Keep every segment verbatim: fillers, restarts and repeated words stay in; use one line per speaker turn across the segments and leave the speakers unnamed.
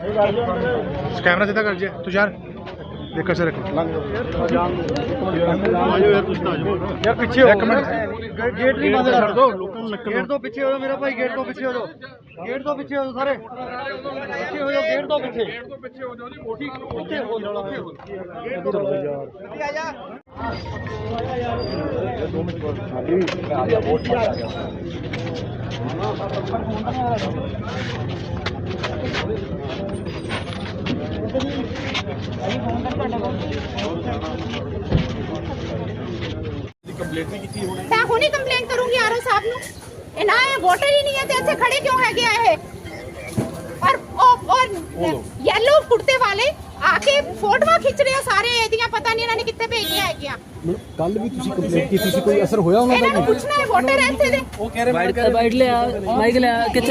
Camera सीधा कर जे तुषार देखो सर यार पीछे एक मिनट गेट नहीं बंद कर दो गेट तो पीछे हो जाओ मेरा भाई गेट तो पीछे हो जाओ गेट तो पीछे हो जाओ सारे पीछे हो जाओ गेट तो पीछे पीछे हो जाओ ठीक पीछे हो जाओ दो मिनट आ गया बहुत आ गया
मैं हुणी कंप्लेंट करूंगी आरओ साहब ਨੂੰ ਇਹ ਨਾ ਇਹ ਵੋਟਰ ਹੀ ਨਹੀਂ ਹੈ ਤੇ ਇੱਥੇ ਖੜੇ ਕਿਉਂ ਹੈਗੇ ਆ ਇਹ ਔਰ ਔਰ ਯੈਲੋ ਕੁੜਤੇ ਵਾਲੇ ਆਕੇ ਫੋਟੋਆਂ ਖਿੱਚ ਰਹੇ ਆ ਸਾਰੇ ਇਹਦੀਆਂ ਪਤਾ ਨਹੀਂ ਇਹਨਾਂ ਨੇ ਕਿੱਥੇ ਭੇਜੀਆਂ ਹੈਗੀਆਂ
ਕੱਲ ਵੀ ਤੁਸੀਂ ਕੰਪਲੇਂਟ ਕੀਤੀ ਸੀ ਕੋਈ ਅਸਰ ਹੋਇਆ ਉਹਨਾਂ ਦਾ
ਇਹਨਾਂ ਨੂੰ ਪੁੱਛਣਾ ਹੈ ਵੋਟਰ ਇੱਥੇ ਦੇ
ਉਹ ਕਹਿ ਰਹੇ ਬਾਈਟ ਬਾਈਟ ਲਿਆ ਮਾਈਕ ਲਿਆ ਕਿੱਥੇ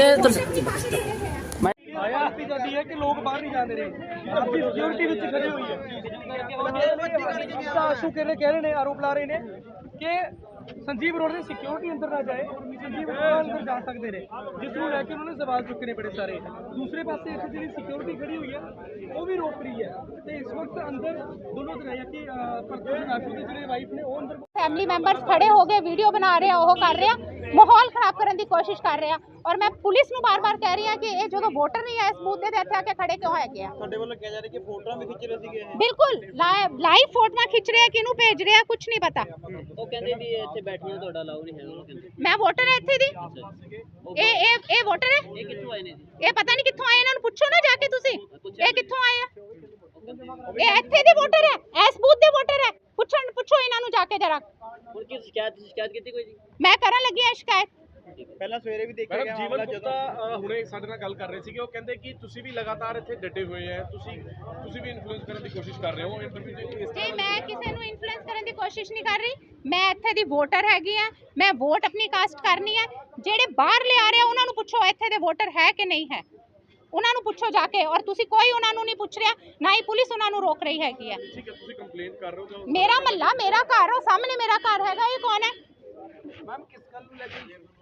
ਆਇਆ ਆਪੀ ਜਾਂਦੀ ਹੈ ਕਿ ਲੋਕ ਬਾਹਰ ਨਹੀਂ ਜਾਂਦੇ ਰਹੇ ਆਪੀ ਸਿਕਿਉਰਿਟੀ ਵਿੱਚ ਖੜੇ ਹੋਈ ਹੈ ਤਾਂ ਆਸ਼ੂ ਕਹਿ ਰਹੇ ਕਹਿ ਰਹੇ ਨੇ ਆਰੋਪ ਲਾ ਰਹੇ ਨੇ ਕਿ ਸੰਜੀਵ ਰੋਡ ਦੇ ਸਿਕਿਉਰਿਟੀ ਅੰਦਰ ਨਾ ਜਾਏ ਸੰਜੀਵ ਰੋਡ ਅੰਦਰ ਜਾ ਸਕਦੇ ਨੇ ਜਿਸ ਨੂੰ ਲੈ ਕੇ ਉਹਨਾਂ ਨੇ ਸਵਾਲ ਚੁੱਕੇ ਨੇ ਬੜੇ ਸਾਰੇ ਦੂਸਰੇ ਪਾਸੇ ਇੱਥੇ ਜਿਹੜੀ ਸਿਕਿਉਰਿਟੀ ਖੜੀ ਹੋਈ ਹੈ ਉਹ ਵੀ ਰੋਕ ਰਹੀ ਹੈ ਤੇ ਇਸ ਵਕਤ ਅੰਦਰ ਦੋਨੋਂ ਤਰ੍ਹਾਂ ਕਿ ਪ੍ਰਤੋਸ਼ ਆਸ਼ੂ ਦੇ ਜਿਹੜੇ ਵਾਈਫ ਨੇ ਉਹ ਅੰਦਰ
फैमिली मेंबर्स खड़े हो गए वीडियो बना रहे हैं वो कर रहे हैं माहौल खराब करने की कोशिश कर रहे हैं और मैं पुलिस ਨੂੰ बार-बार कह रही हां कि ये जो वोटर नहीं है इस बूथ ਦੇ ਇੱਥੇ ਆ ਕੇ ਖੜੇ ਕਿਉਂ ਹੈਗੇ ਆ
ਤੁਹਾਡੇ ਵੱਲੋਂ ਕਿਹਾ ਜਾ ਰਿਹਾ ਕਿ ਫੋਟੋਆਂ ਵੀ ਖਿੱਚ ਰਹੇ ਸੀਗੇ
ਬਿਲਕੁਲ ਲਾਈਵ ਫੋਟੋਆਂ ਖਿੱਚ ਰਹੇ ਆ ਕਿਹਨੂੰ ਭੇਜ ਰਹੇ ਆ ਕੁਝ ਨਹੀਂ ਪਤਾ
ਉਹ ਕਹਿੰਦੇ ਵੀ ਇੱਥੇ ਬੈਠਣਾ ਤੁਹਾਡਾ ਅਲਾਉ ਨਹੀਂ ਹੈ ਉਹ ਕਹਿੰਦੇ
ਮੈਂ ਵੋਟਰ ਹਾਂ ਇੱਥੇ ਦੀ ਇਹ ਇਹ ਇਹ ਵੋਟਰ ਹੈ
ਇਹ ਕਿੱਥੋਂ ਆਏ ਨੇ
ਇਹ ਪਤਾ ਨਹੀਂ ਕਿੱਥੋਂ ਆਏ ਇਹਨਾਂ ਨੂੰ ਪੁੱਛੋ ਨਾ ਜਾ ਕੇ ਤੁਸੀਂ ਇਹ ਕਿੱਥੋਂ ਆਏ ਆ ਇਹ ਇੱਥੇ ਦੇ ਵੋਟਰ ਹੈ ਇਸ ਬੂਥ ਦੇ ਵੋਟਰ ਹੈ ਪੁੱਛਣ ਪੁੱਛੋ ਇਹਨਾਂ ਨੂੰ ਜਾ ਕੇ ਜਰਾ
ਹੁਣ ਕੀ ਸ਼ਿਕਾਇਤ ਸ਼ਿਕਾਇਤ ਕੀਤੀ ਕੋਈ ਜੀ
ਮੈਂ ਕਰਨ ਲੱਗੀ ਹਾਂ ਸ਼ਿਕਾਇਤ
ਪਹਿਲਾਂ ਸਵੇਰੇ ਵੀ ਦੇਖਿਆ ਗਿਆ ਮਾਮਲਾ ਜਦੋਂ ਹੁਣੇ ਸਾਡੇ ਨਾਲ ਗੱਲ ਕਰ ਰਹੇ ਸੀਗੇ ਉਹ ਕਹਿੰਦੇ ਕਿ ਤੁਸੀਂ ਵੀ ਲਗਾਤਾਰ ਇੱਥੇ ਡਟੇ ਹੋਏ ਆ ਤੁਸੀਂ ਤੁਸੀਂ ਵੀ ਇਨਫਲੂਐਂਸ ਕਰਨ ਦੀ ਕੋਸ਼ਿਸ਼ ਕਰ ਰਹੇ ਹੋ ਇੰਟਰਵਿਊ ਦੇ ਇਸ
ਜੀ ਮੈਂ ਕਿਸੇ ਨੂੰ ਇਨਫਲੂਐਂਸ ਕਰਨ ਦੀ ਕੋਸ਼ਿਸ਼ ਨਹੀਂ ਕਰ ਰਹੀ ਮੈਂ ਇੱਥੇ ਦੀ ਵੋਟਰ ਹੈਗੀ ਆ ਮੈਂ ਵੋਟ ਆਪਣੀ ਕਾਸਟ ਕਰਨੀ ਹੈ ਜਿਹੜੇ ਬਾਹਰ ਲਿਆ ਰਹੇ ਉਹਨਾਂ ਨੂੰ ਪੁੱਛੋ ਇੱਥੇ ਦੇ ਵੋਟਰ ਹੈ ਕਿ ਨਹੀਂ ਹੈ ਉਹਨਾਂ ਨੂੰ ਪੁੱਛੋ ਜਾ ਕੇ ਔਰ ਤੁਸੀਂ ਕੋਈ ਉਹਨਾਂ ਨੂੰ ਨਹੀਂ ਪੁੱਛ ਰਿਹਾ ਨਾ ਹੀ ਪੁਲਿਸ ਉਹਨਾਂ ਨੂੰ ਰੋਕ ਰਹੀ ਹੈਗੀ ਹੈ
ਠੀਕ ਹੈ ਤੁਸੀਂ ਕੰਪਲੇਂਟ ਕਰ ਰਹੇ ਹੋ
ਮੇਰਾ ਮਹੱਲਾ ਮੇਰਾ ਘਰ ਉਹ ਸਾਹਮਣੇ ਮੇਰਾ ਘਰ ਹੈਗਾ ਇਹ ਕੌਣ ਹੈ
ਮੈਮ ਕਿਸ ਗੱਲ ਨੂੰ ਲੈ ਕੇ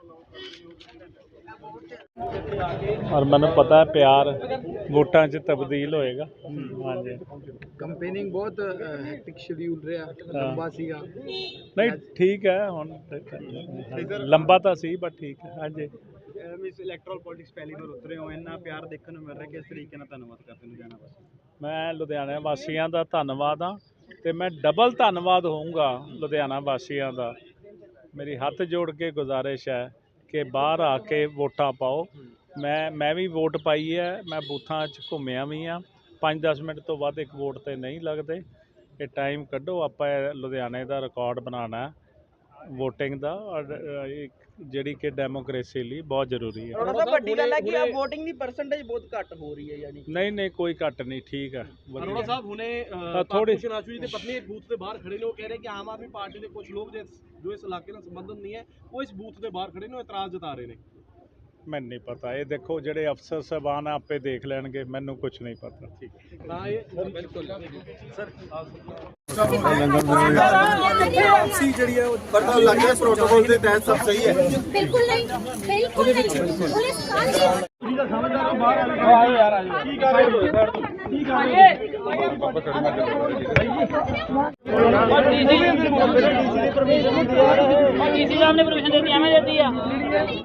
और मैंने पता है प्यार वोटां च तब्दील होएगा हाँ जी
ਕੰਪੇਨਿੰਗ ਬਹੁਤ ਹੈਕਟਿਕ ਸ਼ਡਿਊਲ ਰਿਹਾ ਲੰਬਾ ਸੀਗਾ
नहीं ठीक है हुण लंबा तो सी बट ठीक है हाँ जी
ਮਿਸ ਇਲੈਕਟਰਲ ਪੋਲਿਟਿਕਸ ਪਹਿਲੀ ਵਾਰ ਉਤਰੇ ਹੋ ਇੰਨਾ ਪਿਆਰ ਦੇਖਣ ਨੂੰ ਮਿਲ ਰਿਹਾ ਕਿਸ ਤਰੀਕੇ ਨਾਲ ਧੰਨਵਾਦ ਕਰਦੇ ਨੂੰ ਜਾਣਾ ਬਸ
मैं लुधियाना वासियों का धन्नवाद हाँ तो मैं डबल धन्नवाद होऊंगा लुधियाना वासियों का मेरी हथ जोड़ के गुजारिश है कि बाहर आके वोटां पाओ मैं मैं भी वोट पाई है मैं बूथां च घूमिया भी हाँ पाँच दस मिनट तो बाद एक वोट तो नहीं लगते ये टाइम कड्डो आपां लुधियाने का रिकॉर्ड बनाना है वोटिंग का और ਜਿਹੜੀ ਕਿ ਡੈਮੋਕ੍ਰੇਸੀ ਲਈ ਬਹੁਤ ਜ਼ਰੂਰੀ ਹੈ।
ਉਹਨਾਂ ਦਾ ਵੱਡੀ ਗੱਲ ਹੈ ਕਿ ਆ VOTING ਦੀ ਪਰਸੈਂਟੇਜ ਬਹੁਤ ਘੱਟ ਹੋ ਰਹੀ ਹੈ ਯਾਨੀ
ਨਹੀਂ ਨਹੀਂ ਕੋਈ ਘੱਟ ਨਹੀਂ ਠੀਕ ਹੈ।
ਅਰੋੜਾ ਸਾਹਿਬ ਹੁਣੇ
ਥੋੜੀ
ਆਸ਼ੂ ਜੀ ਦੇ ਪਤਨੀ ਇੱਕ ਬੂਥ ਦੇ ਬਾਹਰ ਖੜੇ ਨੇ ਉਹ ਕਹਿ ਰਹੇ ਕਿ ਆਮ ਆਦਮੀ ਪਾਰਟੀ ਦੇ ਕੁਝ ਲੋਕ ਜੋ ਇਸ ਇਲਾਕੇ ਨਾਲ ਸੰਬੰਧਿਤ ਨਹੀਂ ਹੈ ਉਹ ਇਸ ਬੂਥ ਦੇ ਬਾਹਰ ਖੜੇ ਨੇ ਉਹ ਇਤਰਾਜ਼ ਜਤਾ ਰਹੇ ਨੇ
ਮੈਨੂੰ ਨਹੀਂ ਪਤਾ ਇਹ ਦੇਖੋ ਜਿਹੜੇ ਅਫਸਰ ਸਾਹਿਬਾਨ ਆਪੇ ਦੇਖ ਲੈਣਗੇ ਮੈਨੂੰ ਕੁਝ ਨਹੀਂ ਪਤਾ ਠੀਕ
ਤਾਂ ਇਹ ਬਿਲਕੁਲ ਸਰ
ਸੀ ਜਿਹੜੀ ਹੈ ਪਤਾ ਲੱਗ ਗਿਆ ਪ੍ਰੋਟੋਕੋਲ ਦੇ ਤਹਿਤ ਸਭ ਸਹੀ ਹੈ
ਬਿਲਕੁਲ ਨਹੀਂ ਬਿਲਕੁਲ ਨਹੀਂ ਪੁਲਿਸ ਕਾਲ
ਤੁਸੀਂ ਤਾਂ ਸਮਝਦਾਰ ਹੋ ਬਾਹਰ ਆਓ ਯਾਰ ਆ ਜਾਓ ਕੀ ਕਰ ਰਹੇ ਹੋ ਸਾਈਡ ਤੋਂ ਕੀ ਕਰ ਰਹੇ ਹੋ
ਡੀਸੀ ਸਾਹਿਬ ਨੇ ਪਰਮਿਸ਼ਨ ਦੇ ਦਿੱਤੀ ਐਵੇਂ ਦੇ ਦਿੱਤੀ ਆ